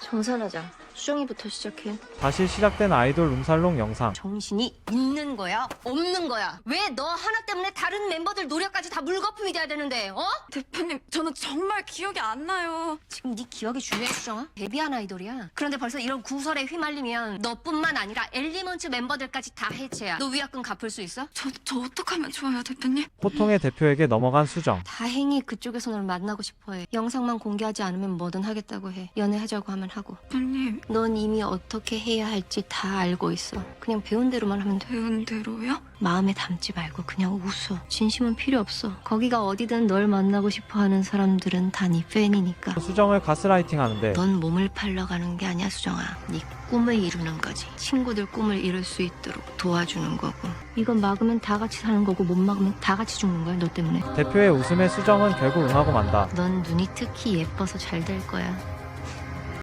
정산하자. 수정이부터 시작해. 다시 시작된 아이돌 룸살롱 영상. 정신이 있는 거야? 없는 거야? 왜 너 하나 때문에 다른 멤버들 노력까지 다 물거품이 돼야 되는데, 어? 대표님, 저는 정말 기억이 안 나요. 지금 네 기억이 중요해, 수정아? 데뷔한 아이돌이야. 그런데 벌써 이런 구설에 휘말리면 너뿐만 아니라 엘리먼츠 멤버들까지 다 해체야. 너 위약금 갚을 수 있어? 저 어떡하면 좋아요, 대표님? 호통의 대표에게 넘어간 수정. 다행히 그쪽에서 널 만나고 싶어해. 영상만 공개하지 않으면 뭐든 하겠다고 해. 연애하자고 하면 하고. 대표님, 넌 이미 어떻게 해야 할지 다 알고 있어. 그냥 배운 대로만 하면 돼. 배운 대로요? 마음에 담지 말고 그냥 웃어. 진심은 필요 없어. 거기가 어디든 널 만나고 싶어 하는 사람들은 다 네 팬이니까. 수정을 가스라이팅 하는데 넌 몸을 팔러 가는 게 아니야, 수정아. 네 꿈을 이루는 거지. 친구들 꿈을 이룰 수 있도록 도와주는 거고. 이건 막으면 다 같이 사는 거고 못 막으면 다 같이 죽는 거야, 너 때문에. 대표의 웃음에 수정은 결국 응하고 만다. 넌 눈이 특히 예뻐서 잘 될 거야.